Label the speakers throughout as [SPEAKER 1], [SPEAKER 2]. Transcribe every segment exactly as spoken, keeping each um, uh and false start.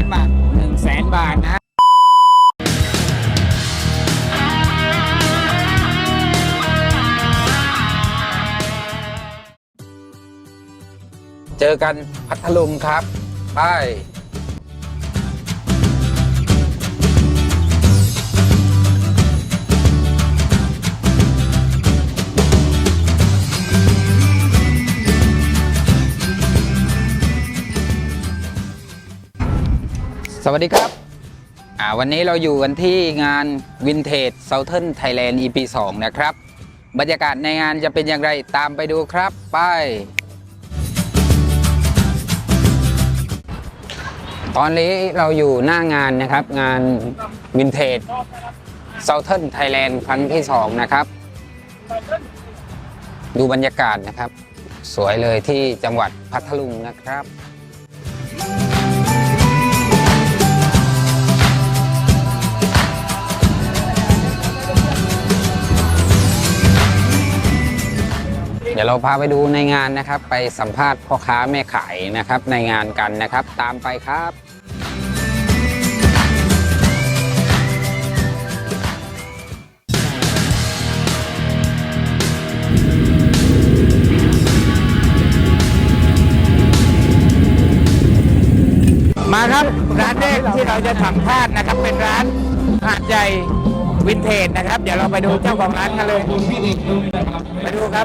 [SPEAKER 1] บาทหนึ่งแสนบาทนะเจอกันพัทลุงครับไปสวัสดีครับอ่าวันนี้เราอยู่กันที่งาน Vintage Southern Thailand อี พี สองนะครับบรรยากาศในงานจะเป็นอย่างไรตามไปดูครับไปตอนนี้เราอยู่หน้างานนะครับงาน Vintage Southern Thailand ครั้งที่สองนะครับดูบรรยากาศนะครับสวยเลยที่จังหวัดพัทลุงนะครับเดี๋ยวเราพาไปดูในงานนะครับไปสัมภาษณ์พ่อค้าแม่ขายนะครับในงานกันนะครับตามไปครับมาครับร้านแรกที่เราจะสัมภาษณ์นะครับเป็นร้านหาดใหญ่วินเทจนะครับเดี๋ยวเราไปดูเจ้าของร้านกันเลยไปดูครับ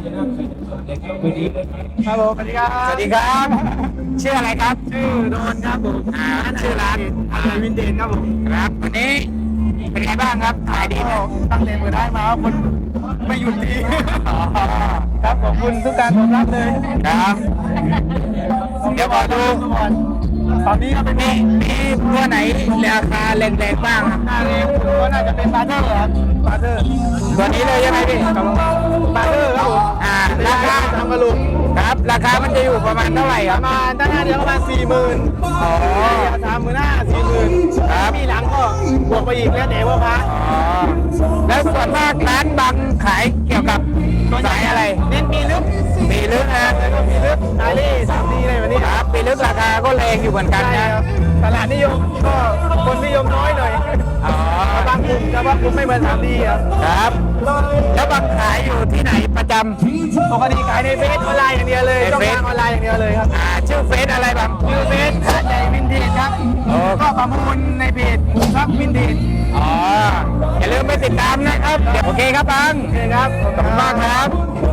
[SPEAKER 2] ครับผมสวัสดีครับ
[SPEAKER 1] สวัสดีครับชื่ออะไรครับ
[SPEAKER 2] ชื่อโดนครับผม
[SPEAKER 1] อ่าชื่อร้าน
[SPEAKER 2] อะไรวินเทจครับผม
[SPEAKER 1] ครับวันนี้เป็นไงบ้างครับขายดีไหม
[SPEAKER 2] ตั้งแต่เปิดได้มาคนไม่หยุดทีครับขอบคุณทุกการตอบรับเลย
[SPEAKER 1] ครับเดี๋ยวขอดู
[SPEAKER 2] ตอนนี้ก็เป็น
[SPEAKER 1] มีมีตัวไหนราคาแรงๆบ้างครับ
[SPEAKER 2] หน้าเองก็น่าจะเป็นบาร์เทอร์ครับบาร์เทอร์
[SPEAKER 1] ตัวนี้เลยใช่ไหมพี่
[SPEAKER 2] บาร์เทอร์ครับผม
[SPEAKER 1] อ่าราคา
[SPEAKER 2] ทำกระลุก
[SPEAKER 1] ครับราคามันจะอยู่ประมาณเท่าไหร่ค
[SPEAKER 2] ป
[SPEAKER 1] รับ
[SPEAKER 2] ระมาณตั้งหน้าเดียวประมาณสี่หมื่นอ๋อสามหมื่นห้าสี่หมื่นครับมีหลังก็บวกไปอีกแล้วเดี๋ยวว่าพัก
[SPEAKER 1] อ๋อแล้วส่วนมากร้านบางขายเกี่ยวกับสายอะไร
[SPEAKER 2] เน้นปีลึก
[SPEAKER 1] ปีลึกนะ
[SPEAKER 2] ปีลึกสายเล่สามดีอะไรแบบนี้
[SPEAKER 1] ครับปีลึกราคาก็แรงอยู่เหมือนกันนะ
[SPEAKER 2] ตลาดนิยมก็คนนิยมน้อยหน่อย
[SPEAKER 1] อ๋อบ
[SPEAKER 2] างกลุ่มแต่ว่ากลุ่มไม่เหมือนสามดีครับ
[SPEAKER 1] ครับแล้วบางขายอยู่ที่ไหนประจำ
[SPEAKER 2] ปกติขายในเฟซออนไลน์อย่างเดียวเลยช่องทางออนไลน์อย่างเดียวเลยครับ
[SPEAKER 1] อ่าชื่อเฟซอะไรบ้าง
[SPEAKER 2] ชื่อเฟซหาดใหญ่วินเทจครับก็ประมูลในเพจครับวินเทจ
[SPEAKER 1] อ๋ออย่าลืมไปติดตามนะครับโอเคครับบัง
[SPEAKER 2] โอเคครับ
[SPEAKER 1] ขอบคุณมากครับ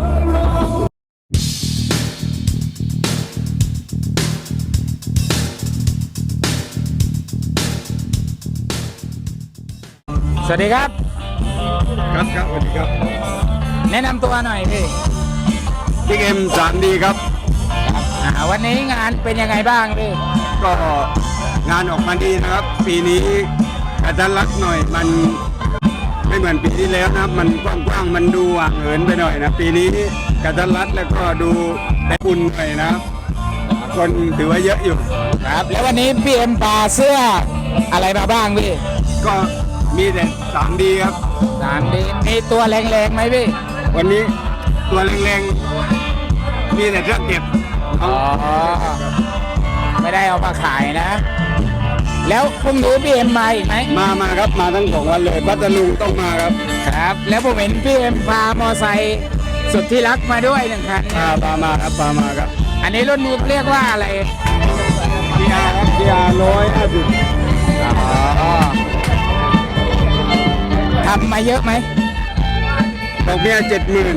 [SPEAKER 1] สวัสดีครับ
[SPEAKER 2] ครับครับสวัสดีครับ
[SPEAKER 1] แนะนำตัวหน่อยพี่
[SPEAKER 2] พี่เอ็มสามดีครับ
[SPEAKER 1] วันนี้งานเป็นยังไงบ้างพี่
[SPEAKER 2] ก็งานออกมาดีนะครับปีนี้กระชั้นรัดหน่อยมันไม่เหมือนปีที่แล้วนะมันกว้างๆมันดูห่างเหินไปหน่อยนะปีนี้กระชั้นรัดแล้วก็ดูแต่อุ่นหน่อยนะครับคนถือว่าเยอะอยู่
[SPEAKER 1] ครับแล้ววันนี้พี่เอ็มปาเสื้ออะไรมาบ้างพี่
[SPEAKER 2] ก็มีแต่สามดีครับ
[SPEAKER 1] สามดีมีตัวแรงๆไหมพี่
[SPEAKER 2] วันนี้ตัวแรงๆมีแต่เครื่องเก็บ
[SPEAKER 1] อ๋อไม่ได้เอามาขายนะแล้วพรุ่งนี้พี่เอ็มมาอีกไหม
[SPEAKER 2] มามาครับมาทั้งสองวันเลยพัทลุงต้องมาครับ
[SPEAKER 1] ครับแล้วผมเห็นพี่เอ็มพามอไซค์สุดที่รักมาด้วยหนึ่งคัน
[SPEAKER 2] พาพามาครับพามาครับ
[SPEAKER 1] อันนี้รุ่นนี้เรียกว่าอะไร
[SPEAKER 2] พีอาร์ครับพีอาร์ร้อยห้าสิบ
[SPEAKER 1] อ๋อทำมาเยอะไหม
[SPEAKER 2] ดอกเบี้ยเจ็ดหมื่น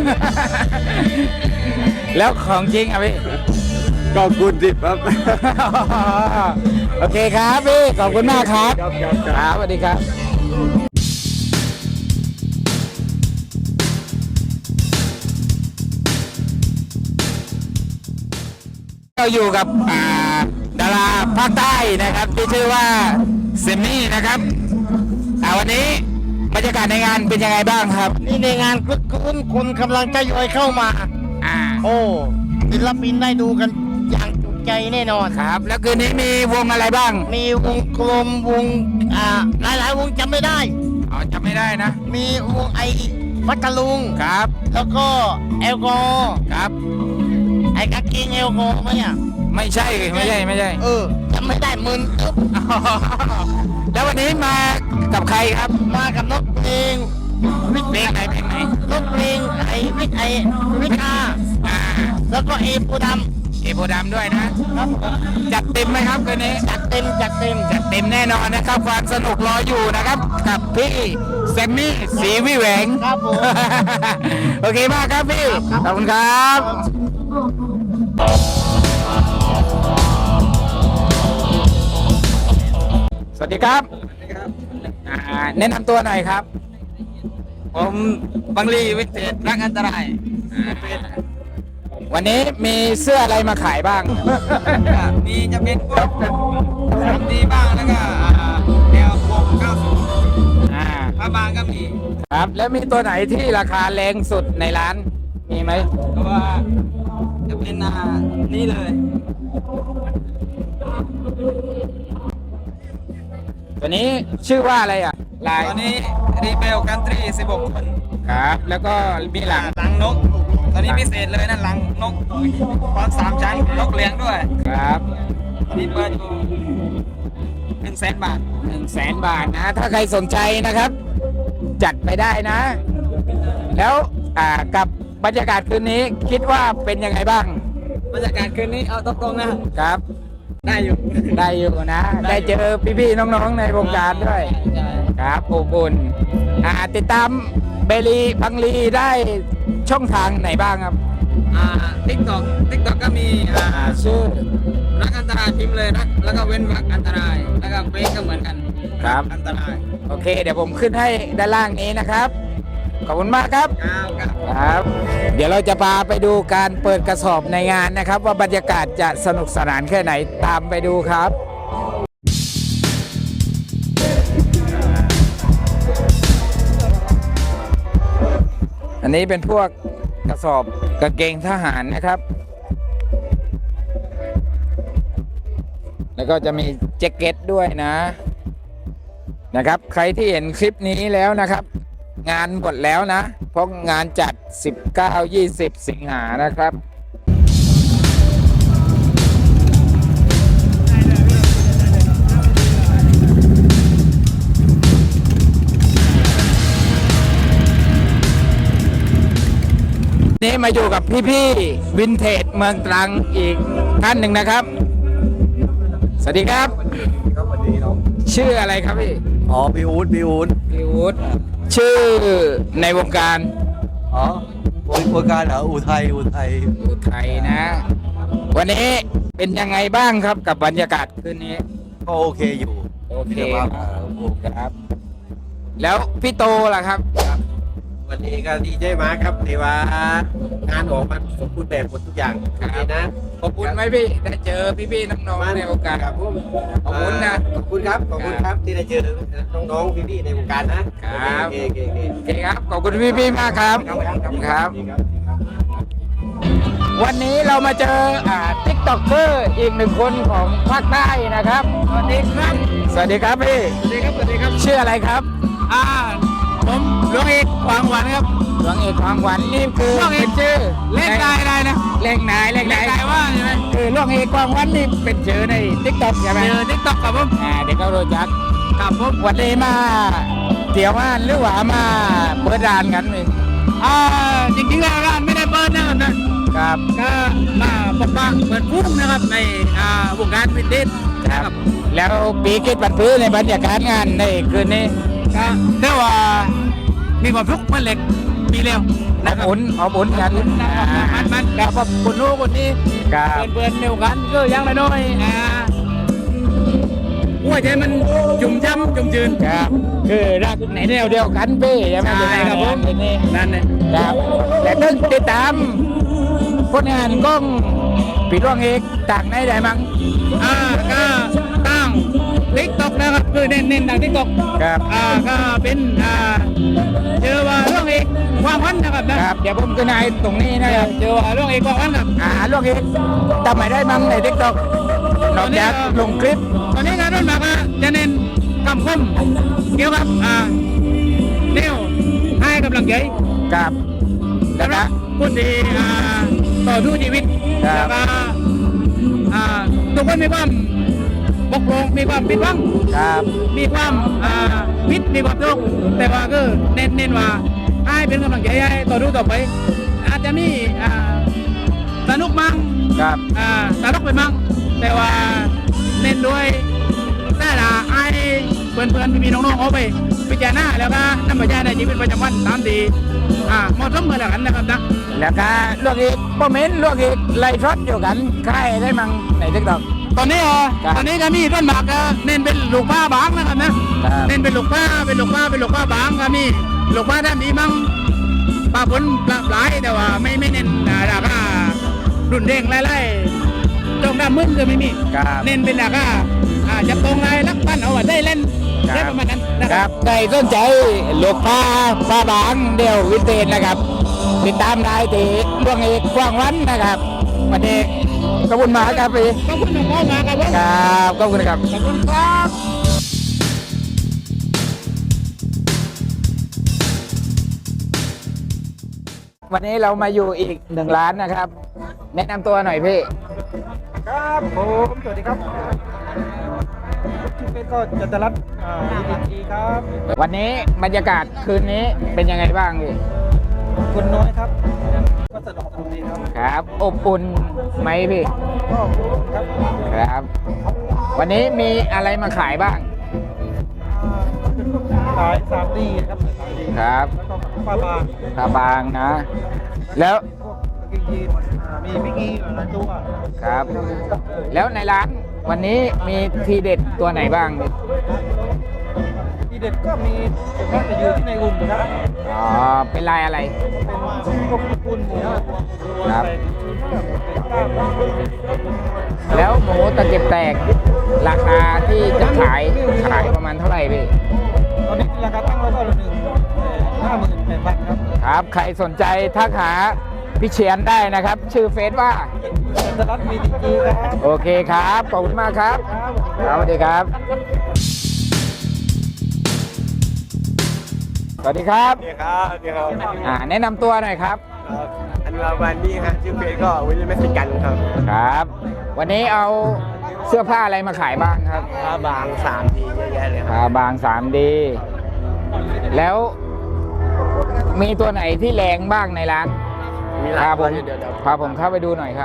[SPEAKER 1] แล้วของจริงอ่ะพี่
[SPEAKER 2] ก็คูณสิบครับ
[SPEAKER 1] โอเคครับพี่ขอบคุณมากครับครับสวัสดีครับเราอยู่กับดาราภาคใต้นะครับที่ชื่อว่าเซมมี่นะครับวันนี้บรรยากาศในงานเป็นยังไงบ้างครับ
[SPEAKER 3] นี่ในงานคึกคืนคนกำลังจะย่อยเข้ามา
[SPEAKER 1] อ่า
[SPEAKER 3] โอ้ศิลปินได้ดูกันอย่างจุใจแน่นอน
[SPEAKER 1] ครับแล้วคืนนี้มีวงอะไรบ้าง
[SPEAKER 3] มีวงกลมวงอ่าหลายๆวงจำไม่ได้
[SPEAKER 1] อ๋อจำไม่ได้นะ
[SPEAKER 3] มีวงไอพัทลุง
[SPEAKER 1] ครับ
[SPEAKER 3] แล้วก็แอลกอ
[SPEAKER 1] ครับ
[SPEAKER 3] ไอกางเกงแอลกอไหมอ่ะ
[SPEAKER 1] ไม่ใช่ไม่ใช่ไม่ใช่
[SPEAKER 3] เออจำไม่ได้มึนตึ๊บ
[SPEAKER 1] แล้ววันนี้มากับใครครับ
[SPEAKER 3] มากับนกเพลงวิท
[SPEAKER 1] เพลงไหนเพลงไหน
[SPEAKER 3] นกเพลงไอวิทไอวิทอา
[SPEAKER 1] อ่า
[SPEAKER 3] แล้วก็เอปูด
[SPEAKER 1] เอโพธิ์ดำด้วยนะ
[SPEAKER 3] ำครับ
[SPEAKER 1] จัดเต็มไหมครับคืนนี้
[SPEAKER 3] จัดเต็มจัดเต็ม
[SPEAKER 1] จัดเต็มแน่นอนนะครับความสนุกรออยู่นะครับ กับพี่แซมมี่สีวิแหวง
[SPEAKER 3] ครับผม
[SPEAKER 1] โอเคมากครับพี่ ขอบคุณครับ สวัสดีครับอ่าแนะนำตัวหน่อยครับ
[SPEAKER 4] ผมบังลีวิเศษรักอันตราย
[SPEAKER 1] วันนี้มีเสื้ออะไรมาขายบ้าง
[SPEAKER 4] มีจะเป็นพวกสามดีบ้างแล้วก็อ่าแนววงเก้าสิบ
[SPEAKER 1] อ่า
[SPEAKER 4] ผ้าบางก็มี
[SPEAKER 1] ครับ แล้วมีตัวไหนที่ราคาแรงสุดในร้าน มีไหม
[SPEAKER 4] ก็ว่าจะเป็นอ่านี่เลย
[SPEAKER 1] ตัวนี้ชื่อว่าอะไรอ่ะ ลาย
[SPEAKER 4] ตอนนี้รีเบลกันทรีสิบหกคน
[SPEAKER 1] ครับ แล้วก็มีหลัง
[SPEAKER 4] หลังนก ตอนนี้พิเศษเลยนะหลังนกพร้อมสามชั้นนกเลี้ยงด้วย
[SPEAKER 1] ครับ
[SPEAKER 4] ตอนนี้เปิดอยู่หนึ่งแสนบาท
[SPEAKER 1] หนึ่งแสนบาทนะ ถ้าใครสนใจนะครับ จัดไปได้นะ แล้วอ่ากับบรรยากาศคืนนี้คิดว่าเป็นยังไงบ้าง
[SPEAKER 4] บรรยากาศคืนนี้เอาตรงๆนะครับ ได้อยู่
[SPEAKER 1] ได้อยู่นะ ได้เจอพี่ๆน้องๆในวงการด้วย
[SPEAKER 4] ใช่
[SPEAKER 1] ครับอบอุ่นอ่าติดตามเบลีบังลีได้ช่องทางไหนบ้างครับ
[SPEAKER 4] อ่าทิกตอกทิกตอกก็มีอ่า
[SPEAKER 1] อ่าชื่อ
[SPEAKER 4] รักอันตรายพิมพ์เลยรักแล้วก็เว้นวรรคอันตราย แล้วก็เฟซก็เหมือนกัน
[SPEAKER 1] ครับ
[SPEAKER 4] อันตราย
[SPEAKER 1] โอเค เดี๋ยวผมขึ้นให้ด้านล่างนี้นะครับ ขอบคุณมากครับ
[SPEAKER 4] ครับครับ
[SPEAKER 1] ครับ เดี๋ยวเราจะพาไปดูการเปิดกระสอบในงานนะครับ ว่าบรรยากาศจะสนุกสนานแค่ไหนตามไปดูครับ อันนี้เป็นพวกกระสอบกางเกงทหารนะครับ แล้วก็จะมีแจ็คเก็ตด้วยนะนะครับ ใครที่เห็นคลิปนี้แล้วนะครับ งานหมดแล้วนะ เพราะงานจัด สิบเก้า ยี่สิบ สิงหานะครับ นี่มาอยู่กับพี่ๆวินเทจเมืองตรังอีกท่านหนึ่งนะครับ สวัสดีครับ
[SPEAKER 5] ครับสวัสดีน้อง
[SPEAKER 1] ชื่ออะไรครับพี่
[SPEAKER 5] อ๋อพี่อู๊ดพี่อู๊ด
[SPEAKER 1] พี่วุฒิชื่อในวงการ
[SPEAKER 5] อ๋อวงวงการเหรออุทัยอุทัย
[SPEAKER 1] อุทัยนะ วันนี้เป็นยังไงบ้างครับกับบรรยากาศคืนนี้
[SPEAKER 5] ก็โอเคอยู่
[SPEAKER 1] โอเค
[SPEAKER 5] ดี๋ยวว่าอ่าโอเค
[SPEAKER 1] ครับ แล้วพี่โตล่ะครับ
[SPEAKER 6] วันนี้ก็ดีใจมากครับที่ว่างานออกมาสมบูรณ์แบบหมดทุกอย่าง
[SPEAKER 1] ครับ
[SPEAKER 6] ดีนะ
[SPEAKER 1] ขอบคุณไหมพี่ได้เจอพี่ๆน้องๆในวงการ
[SPEAKER 6] ครับผม
[SPEAKER 1] ขอบคุณนะ
[SPEAKER 6] ขอบคุณครับขอบคุณครับที่ได้เจอน้องๆพี่ๆในวงการนะครับ โอเคโอเคโอเค
[SPEAKER 1] โอเคครับ ขอบคุณพี่ๆมากครับ ขอบคุณครับ วันนี้เรามาเจออ่าติ๊กต็อกเกอร์อีกหนึ่งคนของภาคใต้นะครับ สวัสดีครับ สวัสดีครับพี่
[SPEAKER 4] สวัสดีครับสวัสดีครับ
[SPEAKER 1] ชื่ออะไรครับ
[SPEAKER 4] อ่าผมหลวงเอกหวังหวันครับ
[SPEAKER 1] หลวงเอกของขวัญนี่คือ
[SPEAKER 4] หลวงเอก
[SPEAKER 1] เป็นชื่อ
[SPEAKER 4] เล่นได้ได้นะ
[SPEAKER 1] เลขนายเลข
[SPEAKER 4] เล่
[SPEAKER 1] นาน ย
[SPEAKER 4] ได้ว่าใช่ไหม
[SPEAKER 1] คือหลวงเอกของขวัญนี่เป็นชื่อในติ๊กต็อกใช่ไหม
[SPEAKER 4] เจอทิกตอกครับผม
[SPEAKER 1] อ่าเด็กเขารู้จัก
[SPEAKER 4] ครับผม
[SPEAKER 1] วันนี้มาเที่ยวงานหรือว่ามาเปิดร้านกันพี่
[SPEAKER 4] อ่าจริงๆแล้วร้านไม่ได้เปิดนะครับนะครับ ก็มาปกป้องเปิดพุ่งนะครับในอ่าวงการวินเทจนะครับ
[SPEAKER 1] แล้วปีคิดบันพื้นในบรรยากาศงานในคืนนี้
[SPEAKER 4] ก็เรียกว่ามีความทุกข์มันเหล็กปีเร็ว
[SPEAKER 1] อ
[SPEAKER 4] นะ
[SPEAKER 1] บ
[SPEAKER 4] ครับ
[SPEAKER 1] อุ่นอบอุ่นกัน
[SPEAKER 4] มันมันกับคนนู้นคนนี้
[SPEAKER 1] ครับ
[SPEAKER 4] เพื่อนๆเดียวกันก็ยังน้อยๆอ่าหัวใจมันจุ่มจ้ำจุ่มจืน
[SPEAKER 1] ครับคือรักในแนวเดียวกันพี่ใช่ไหม
[SPEAKER 4] ใช่ครับผม
[SPEAKER 1] คืนนี้
[SPEAKER 4] นั่นเลย
[SPEAKER 1] ครับแต่ต้องติดตามผลงานกล้องปีร่วงเอกต่างในได้มั้ง
[SPEAKER 4] อ่าก็ตั้งทิกตอกนะครับคือเน้นเน้นทางทิกตอก
[SPEAKER 1] ครับ
[SPEAKER 4] อ่าก็เป็นอ่าเจอว่าเรื่องเอกความพันนะครับนะครับ
[SPEAKER 1] เดี๋ยวผมขึ้นให้ตรงนี้นะครับ
[SPEAKER 4] เจอว่าเรื่องเอกความพันครับ
[SPEAKER 1] อ่าร่วงเอกทำไมได้มั้งในทิกตอกนอกจากลงคลิป
[SPEAKER 4] ตอนนี้งานรุ่นมากก็จะเน้นคำคมเกี่ยวกับอ่าแนวให้กำลังใจ
[SPEAKER 1] กับแล้ว
[SPEAKER 4] สำหรั
[SPEAKER 1] ก็
[SPEAKER 4] บคนที่อ่าต่อสู้ชีวิต
[SPEAKER 1] ครับ
[SPEAKER 4] แล้วก็อ่าทุกคนมีความบกพร่องมีความผิดหวัง
[SPEAKER 1] ครับ
[SPEAKER 4] มีความอ่าผิดมีความทุกข์แต่ว่าก็เน้นเน้นว่าให้เป็นกำลังใจให้ต่อดูต่อไป อาจจะมีอ่าสนุกมั่ง
[SPEAKER 1] ครับ
[SPEAKER 4] อ่าสนุกไปมั่งแต่ว่าเน้นด้วยแต่ละไอ้เพื่อนเพื่อนๆมีน้องๆเอาไปพิจารณาแล้วก็นำไปใช้ในชีวิตประจำวันตามดีอ่าเหมาะสมเหมือนกันนะครับนะ
[SPEAKER 1] แล้วก็ลวกอีกโปรเมนต์ลวกอีกไล่ทอดอยู่กันใครได้มั่งในทิกตอก
[SPEAKER 4] ตอนนี้อ่ะ
[SPEAKER 1] ครับ
[SPEAKER 4] ตอนนี้ก็มีต้นหมากก็เน้นเป็นลูกผ้าบางนะครับนะครับ เน้นเป็นลูกผ้าเป็นลูกผ้าเป็นลูกผ้าบางก็มีลูกผ้าด้านนี้มั่งปลาผลปลาหลายแต่ว่าไม่ไม่เน้นอ่าราคารุนแรงไล่ๆตรงด้านมึนก็ไม่มี
[SPEAKER 1] ครับ
[SPEAKER 4] เน้นเป็นราคาอ่าจะตรงไรลักปั้นเอาไว้ได้เล่น
[SPEAKER 1] ครับ
[SPEAKER 4] ได้ประมาณนั้นนะ
[SPEAKER 1] ค
[SPEAKER 4] ค
[SPEAKER 1] รั
[SPEAKER 4] รั
[SPEAKER 1] บบ ใครสนใจลูกป้าป้าบางเดียววินเทจนะครับ ติดตามได้ที่ดวงเอกกว้างวันนะครับวันนี้ขอบคุณมากครับพี่
[SPEAKER 4] ขอบคุณน้องพ่อมาครับผม
[SPEAKER 1] ครับขอบคุณครับ
[SPEAKER 4] ขอบคุณครับ
[SPEAKER 1] วันนี้เรามาอยู่อีกหนึ่งร้านนะครับ แนะนำตัวหน่อยพี่
[SPEAKER 7] ครับผมสวัสดีครับชื่อเป็นก็จันทรัตน์อ่าดีดีครับ
[SPEAKER 1] วันนี้บรรยากาศคืนนี้เป็นยังไงบ้างพี่
[SPEAKER 7] คนน้อยครับก็สนุกสนุกดีครับ
[SPEAKER 1] ครับอบอุ่นไหมพี่
[SPEAKER 7] ก็ครับ
[SPEAKER 1] ครับ วันนี้มีอะไรมาขายบ้าง
[SPEAKER 7] อ่าเป็นพวกสายสามดีครับสายสามดี
[SPEAKER 1] ครับ
[SPEAKER 7] แล้วก็ปลาบาง
[SPEAKER 1] ตาบางนะ แล้ว
[SPEAKER 7] พวกกางเกงยีนอ่ามีมิกกี้หลายตัว
[SPEAKER 1] ครับ แล้วในร้านวันนี้มีทีเด็ดตัวไหนบ้างพี่
[SPEAKER 7] ทีเด็ดก็มีส่วนมากจะอยู่ที่ในอุ่นนะครับ
[SPEAKER 1] อ๋อเป็นลายอะไร
[SPEAKER 7] เป็นพวกญี่ปุ่นหมู
[SPEAKER 1] ครับ
[SPEAKER 7] เป็นกล้าม
[SPEAKER 1] แล้วหมูตะเก็บแตกราคาที่จะขายขายประมาณเท่าไหร่พี่
[SPEAKER 7] ตอนนี้ราคาตั้งไว้ก็ละหนึ่งห้าหมื่นแปดพันครับ
[SPEAKER 1] ครับ ใครสนใจทักหาพี่เชียนได้นะครับ ชื่อเฟซว่า
[SPEAKER 7] จันทรัตน์มีดีจีครับ
[SPEAKER 1] โอเคครับ ขอบคุณมากครับครับสวัสดีครับ สวัสดีครับ
[SPEAKER 6] สวัสดีครับสวัสดีครับ
[SPEAKER 1] อ่าแนะนำตัวหน่อยครับ
[SPEAKER 6] อันราวันนี้ครับชื่อเพจก็วิลเลมเมสกันครับ
[SPEAKER 1] ครับ วันนี้เอาเสื้อผ้าอะไรมาขายบ้างครับ
[SPEAKER 6] ผ้าบางสามทีเยอะแยะเลยครับ
[SPEAKER 1] ผ้าบาง สาม ดี แล้วมีตัวไหนที่แรงบ้างในร้าน
[SPEAKER 6] มีหลาย
[SPEAKER 1] พาผ
[SPEAKER 6] ตัว
[SPEAKER 1] ม
[SPEAKER 6] เดี๋ยวเดี๋ยว
[SPEAKER 1] พาผมเข้าไปดูหน่อยครับ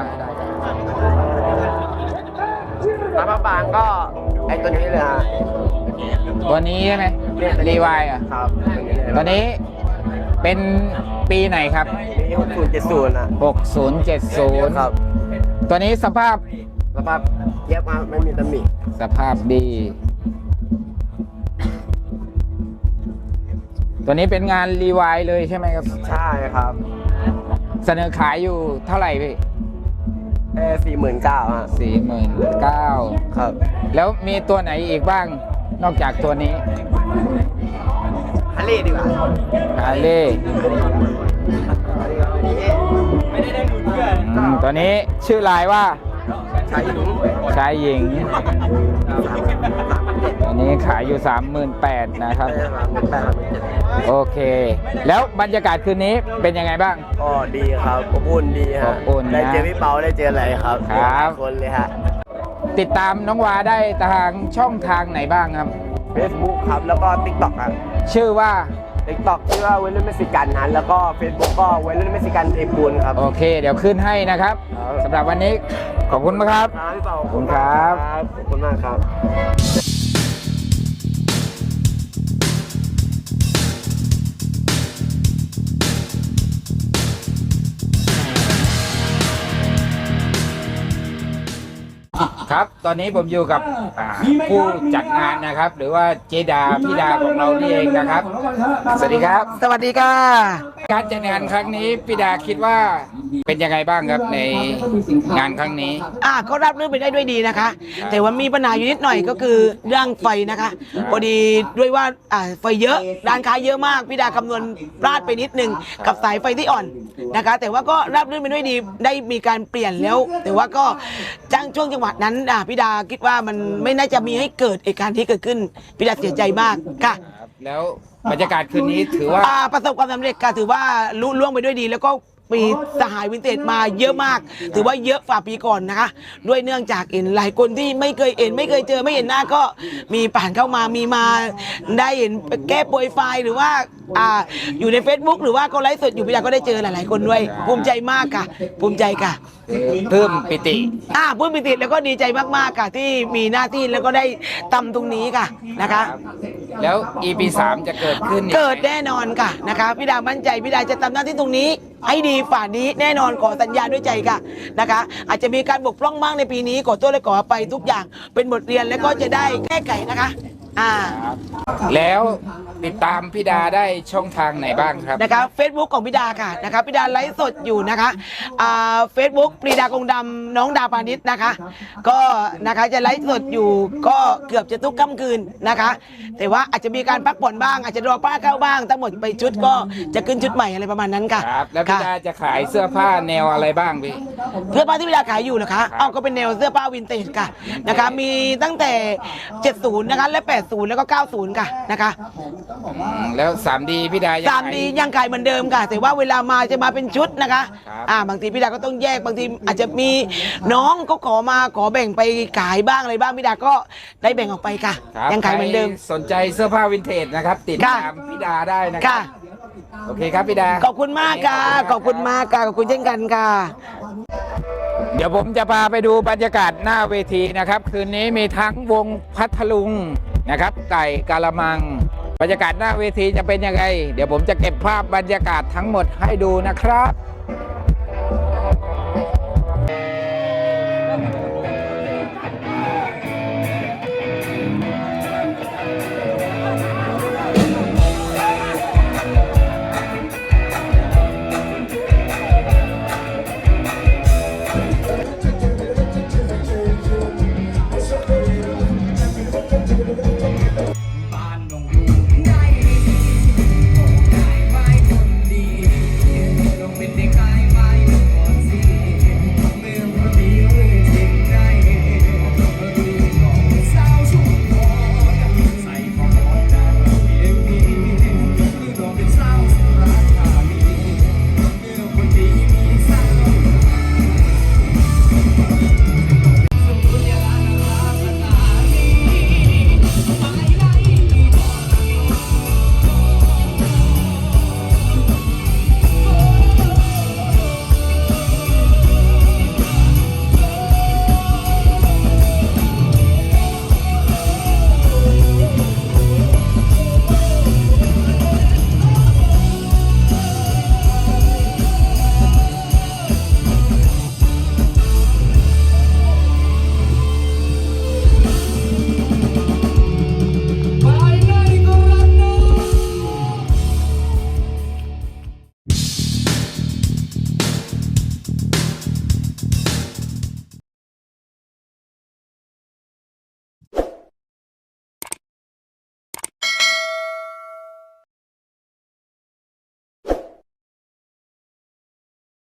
[SPEAKER 6] ผ้าบางก็ไอตัวนี้เลยฮะ
[SPEAKER 1] ตัวนี้ใช่ไหมรีวายอ่ะ
[SPEAKER 6] ครับ
[SPEAKER 1] ตัวนี้เป็นปีไหนครับ
[SPEAKER 6] มีหกศูนย์เจ็ดศูนย์อ่ะ
[SPEAKER 1] หกศูนย์เจ็ดศูนย์
[SPEAKER 6] ครับ
[SPEAKER 1] ตัวนี้สภาพ
[SPEAKER 6] สภาพเย็บมาไม่มีตำหนิ
[SPEAKER 1] สภาพดี ตัวนี้เป็นงานรีวายเลยใช่ไหมครับ
[SPEAKER 6] ใช่ครับ
[SPEAKER 1] เสนอขายอยู่เท่าไหร่พี่
[SPEAKER 6] เอสี่หมื่นเก้าฮะ
[SPEAKER 1] สี่หมื่นเก้า
[SPEAKER 6] ครับ
[SPEAKER 1] แล้วมีตัวไหนอีกบ้าง นอกจากตัวนี้
[SPEAKER 6] ฮัลลี่ดีกว่า
[SPEAKER 1] ฮาเล่
[SPEAKER 6] ไม่ได้ได้ลุ้นเพื่อน
[SPEAKER 1] อืมตัวนี้ชื่อลายว่า
[SPEAKER 6] ใช้หนุ่ม
[SPEAKER 1] ชายหญิง ตัวนี้ขายอยู่สามหมื่นแปดนะครับ
[SPEAKER 6] ได้มาหมื่นแปดหมื่นเจ็ด
[SPEAKER 1] โอเค แล้วบรรยากาศคืนนี้เป็นยังไงบ้าง
[SPEAKER 6] ก็ดีครับอบอุ่นดีฮะ
[SPEAKER 1] อบอุ่นนะ
[SPEAKER 6] ได้เจอพี่เปาได้เจออะไรครับ
[SPEAKER 1] ครับ
[SPEAKER 6] หลายคนเลยฮะ
[SPEAKER 1] ติดตามน้องวาได้ทางช่องทางไหนบ้างครับ
[SPEAKER 6] Facebook ครับ แล้วก็ TikTok ครับ
[SPEAKER 1] ชื่อว่า
[SPEAKER 6] TikTok ชื่อว่าเวลเลนเมสิกันนั้นแล้วก็ Facebook ก็เวลเลนเมสิกันเอปูนครับ
[SPEAKER 1] โอเค เดี๋ยวขึ้นให้นะครับ
[SPEAKER 6] ครับ
[SPEAKER 1] สำหรับวันนี้ขอบคุณมากครับ
[SPEAKER 6] ครับพี่เปา
[SPEAKER 1] ขอบคุณครับ
[SPEAKER 6] ขอบคุณมากครับ
[SPEAKER 1] ครับ ตอนนี้ผมอยู่กับอ่าผู้จัดงานนะครับ หรือว่าเจดาพี่ดาของเรานี่เองนะครับ สวัสดีครับ
[SPEAKER 8] สวัสดีค่ะ
[SPEAKER 1] การจัดงานครั้งนี้พี่ดาคิดว่าเป็นยังไงบ้างครับในงานครั้งนี้
[SPEAKER 8] อ่าก็รับเรื่องไปได้ด้วยดีนะคะ แต่ว่ามีปัญหาอยู่นิดหน่อยก็คือเรื่องไฟนะคะพอดีด้วยว่าอ่าไฟเยอะร้านค้าเยอะมากพี่ดาคำนวณพลาดไปนิดนึงกับสายไฟที่อ่อนนะคะ แต่ว่าก็รับเรื่องไปด้วยดีได้มีการเปลี่ยนแล้ว แต่ว่าก็จ้างช่วงจังหวะนั้นอ่าพี่ดาคิดว่ามันไม่น่าจะมีให้เกิดเหตุการณ์ที่เกิดขึ้นพี่ดาเสียใจมากค่ะ
[SPEAKER 1] แล้วบรรยากาศคืนนี้ถือว่า
[SPEAKER 8] อ่าประสบความสำเร็จค่ะถือว่าลุล่วงไปด้วยดี แล้วก็ปีสหายวินเทจมาเยอะมาก ถือว่าเยอะฝ่าปีก่อนนะคะ ด้วยเนื่องจากเห็นหลายคนที่ไม่เคยเห็นไม่เคยเจอไม่เห็นหน้าก็มีผ่านเข้ามามีมาได้เห็นแก้โปรไฟล์หรือว่าอ่าอยู่ใน Facebook หรือว่าเขาไลฟ์สดอยู่พี่ดาก็ได้เจอหลายๆคนด้วยภูมิใจมากค่ะภูมิใจค่ะ
[SPEAKER 1] เพิ่มปิติ
[SPEAKER 8] อ่าพูดปิติแล้วก็ดีใจมากๆค่ะที่มีหน้าที่แล้วก็ได้ทำตรงนี้ค่ะนะคะ
[SPEAKER 1] แล้ว อี พี สามจะเกิดขึ้นอีไหม
[SPEAKER 8] เกิดแน่นอนค่ะนะคะพี่ดามั่นใจพี่ดาจะทำหน้าที่ตรงนี้ ให้ดีฝ่านี้แน่นอนขอสัญญาด้วยใจค่ะนะคะ อาจจะมีการบกพร่องบ้างในปีนี้ขอโทษและขออภัยทุกอย่างเป็นบทเรียนแล้วก็จะได้แก้ไขนะคะอ่า
[SPEAKER 1] แล้วติดตามพี่ดาได้ช่องทางไหนบ้างครับ
[SPEAKER 8] นะคะเฟซบุ๊กของพี่ดาค่ะนะคะพี่ดาไลฟ์สดอยู่นะคะอ่าเฟซบุ๊กปรีดากงดำน้องดาปานิชนะคะ ก็นะคะจะไลฟ์สดอยู่ก็เกือบจะทุกค่ำคืนนะคะ แต่ว่าอาจจะมีการพักผ่อนบ้าง อาจจะรอป้าเข้าบ้างทั้งหมดไปชุดก็จะขึ้นชุดใหม่อะไรประมาณนั้นค่ะ
[SPEAKER 1] ครับ แล้วพี่
[SPEAKER 8] ค่ะ
[SPEAKER 1] ดาจะขายเสื้อผ้าแนวอะไรบ้างพี่
[SPEAKER 8] เสื้อผ้าที่พี่ดาขายอยู่เหรอคะเอาก็เป็นแนวเสื้อผ้าวินเทจค่ะนะคะ มีตั้งแต่ เจ็ดสิบ นะคะ และ แปดสิบ แล้วก็ เก้าสิบ ค่ะนะคะ
[SPEAKER 1] อืมแล้ว สามดี พี่ดายัง
[SPEAKER 8] สาม
[SPEAKER 1] ขาย
[SPEAKER 8] ดียังขายเหมือนเดิมค่ะ แต่ว่าเวลามาจะมาเป็นชุดนะคะ
[SPEAKER 1] ครับ
[SPEAKER 8] อ่าบางทีพี่ดาก็ต้องแยกบางทีอาจจะมีน้องก็ขอมาขอแบ่งไปขายบ้างอะไรบ้างพี่ดาก็ได้แบ่งออกไปค่ะ
[SPEAKER 1] ครับ
[SPEAKER 8] ยังขายเหมือนเดิม
[SPEAKER 1] ใครสนใจเสื้อผ้าวินเทจนะครับ ติด
[SPEAKER 8] ค่ะ
[SPEAKER 1] ตามพี่ดาได้นะครั
[SPEAKER 8] ค่ะ
[SPEAKER 1] โอเคครับพี่ดา
[SPEAKER 8] ขอบคุณมากค่ะขอบคุณมากค่ะขอบคุณเช่นกันค่ะ
[SPEAKER 1] เดี๋ยวผมจะพาไปดูบรรยากาศหน้าเวทีนะครับ คืนนี้มีทั้งวงพัทลุงนะครับ ไก่กาละมัง บรรยากาศหน้าเวทีจะเป็นยังไง เดี๋ยวผมจะเก็บภาพบรรยากาศทั้งหมดให้ดูนะครับ